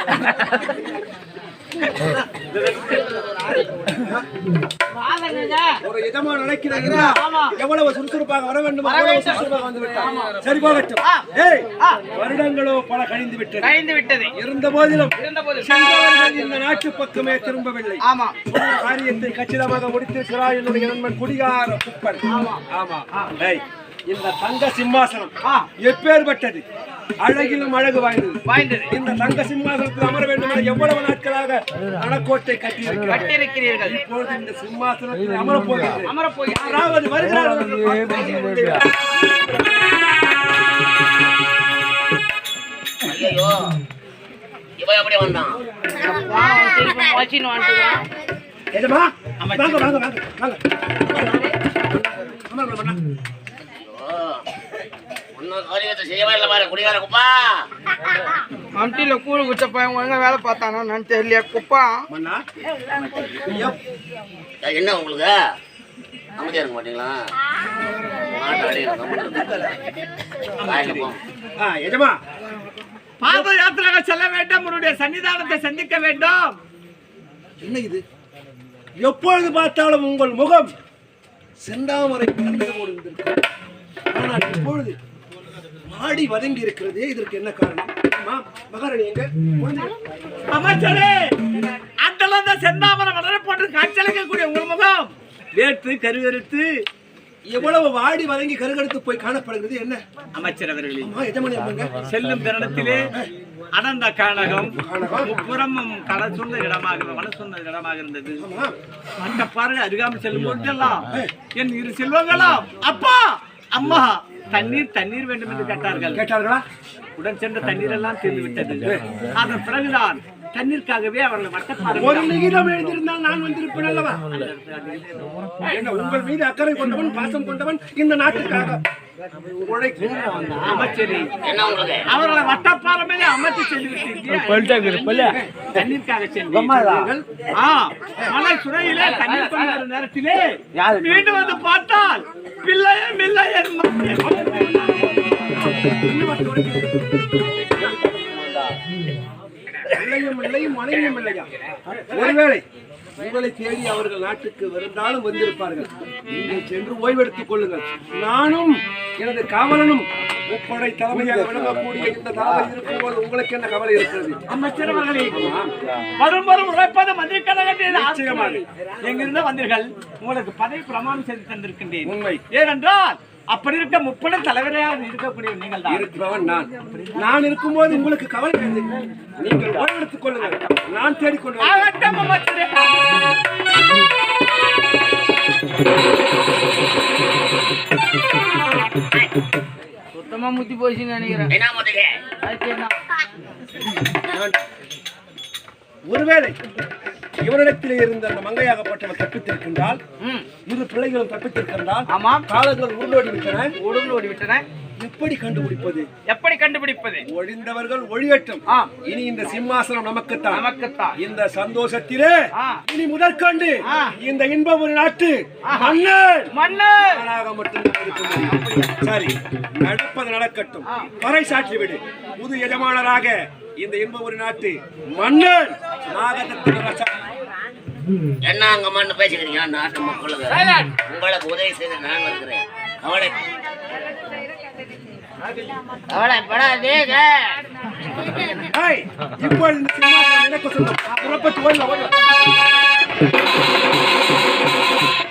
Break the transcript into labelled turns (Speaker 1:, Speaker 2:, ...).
Speaker 1: ஒரு எஜமான நினைக்கிறாங்க எவ்வளவு சுறுசுறுப்பாக வர வேண்டும் சுறுசுறுப்பாக வந்து விட்டார். சரி போகட்டும். வருடங்களோ பல கழிந்து விட்டது. இருந்த போதிலும் இந்த நாட்டு பக்கமே திரும்பவில்லை. காரியத்தை கச்சிதமாக முடித்திருக்கிறார் என்னுடைய நண்பன் குடிகார குப்பன். இந்த தங்க சிம்மாசனம் எப்பேற்பட்டது, அழகிலும் அழகு வாய்ந்தது. இந்த தங்க சிம்மாசனத்தில் அமர வேண்டும் என எவ்வளவு நாட்களாக மனக்கோட்டை கட்டியிருக்கிறீர்கள். இப்பொழுது இந்த சிம்மாசனத்தில் அமரப் போகிறது. யாராவது வருகிறார்கள்.
Speaker 2: அம்டில கூழ் குச்ச பையன் ஒழுங்கா வேலை பார்த்தானா நான் தெரியலையா குப்பா.
Speaker 3: என்ன உங்களுக்கு அமைதியா இருக்க மாட்டீங்களா?
Speaker 1: பாத யாத்திரையாக செல்ல வேண்டும். உன்னுடைய சன்னிதானத்தை சந்திக்க வேண்டும். என்ன இது? எப்பொழுது பார்த்தாலும் உங்கள் முகம் செந்தாமரை ஆனால் இப்பொழுது மாடி வதங்கி இருக்கிறது. இதற்கு என்ன காரணம்? மகாராணி எங்க அமைச்சரே, அந்த செந்தாமரை வளர போன்று காட்சியளிக்கக்கூடிய உங்கள் முகம் வேற்று கருகருத்து எவ்வளவு வாடி வதங்கி கருகருத்து போய் காணப்படுகிறது. என்ன அமைச்சர் அவர்களே, செல்லும் தருணத்திலே அனந்த கானகம் புறமும் கடை சொன்ன இடமாக மன சொன்ன இடமாக இருந்தது. அந்த பாருங்க அருகாமல் செல்லும் போதெல்லாம் என் இரு செல்வங்களும் அப்பா அம்மா தண்ணீர் வேண்டும் என்று கேட்டார்களா? உடன் சென்ற தண்ணீர் எல்லாம் தீர்ந்து விட்டது. அதன் பிறகுதான் தண்ணீருக்காகவே அவர்கள் வட்டப்பாறை ஒரு நிகிதம் எழுதியிருந்தால் நான் வந்திருப்பேன் அல்லவா? உங்கள் மீது அக்கறை கொண்டவன், பாசம் கொண்டவன், இந்த நாட்டுக்காக அவர்களை வட்டப்பாறை மேலே அமைத்து செல்விட்டீர்கள். தண்ணீருக்காக செல்வீர்கள். மலை சுரையிலே தண்ணீர் கொண்டு நேரத்திலே மீண்டும் வந்து பார்த்தால் பிள்ளையே மனைவியும் இல்லையா? ஒருவேளை உங்களை தேடி அவர்கள் நாட்டுக்கு இருந்தாலும் வந்திருப்பார்கள். நீங்கள் சென்று ஓய்வெடுத்துக் கொள்ளுங்கள். நானும் எனது காவலனும் முப்படை தலைமையாக விளங்கக்கூடிய இந்த தலைமை இருக்கும்போது உங்களுக்கு என்ன கவலை இருக்கிறது? அமைச்சர் அவர்களே, வரும் உழைப்பது மந்திரி கழகத்தில் எங்கிருந்த வந்தீர்கள். உங்களுக்கு பதவி பிரமாணம் செய்து தந்திருக்கின்றேன். உண்மை. ஏனென்றால் அப்படி இருக்க முப்படை தலைவரையாக இருக்கக்கூடிய நீங்கள் தான் இருக்கிறவன். நான் இருக்கும்போது உங்களுக்கு கவலை இல்லை. நீங்கள் ஓய்வெடுத்துக் கொள்ளுங்கள். நான் தேடிக்கொண்டு
Speaker 2: சுத்தமா முத்தி போச்சுன்னு நினைக்கிறேன்.
Speaker 1: ஒருவேளை இவரிடத்திலே இருந்த அந்த மங்கையாகப்பட்டவர் தப்பித்திருக்கின்றால், இரு பிள்ளைகளும் தப்பித்திருக்கின்றால், காலங்கள் உருளோடி விட்டன. எப்படி கண்டுபிடிப்பது? ஒழிந்தவர்கள் ஒழியட்டும். இனி இந்த சிம்மாசனம் நமக்குத்தான். இந்த சந்தோஷத்திலே இனி முதற்கொண்டு இந்த இன்பம் ஒரு நாட்டு மன்னனாக மட்டும்தான் இருக்க முடியும். சரி, நடப்பது நடக்கட்டும். பறை சாற்றி விடு. புது எஜமானராக இந்த இன்பம் ஒரு நாட்டு மன்னன்
Speaker 3: என்ன அங்க மண்ணு பேசிக்கிறீங்க? நாட்டு மக்களுக்கு உங்களுக்கு உதவி செய்து நான் வருகிறேன்.
Speaker 1: இப்போ இந்த சினிமா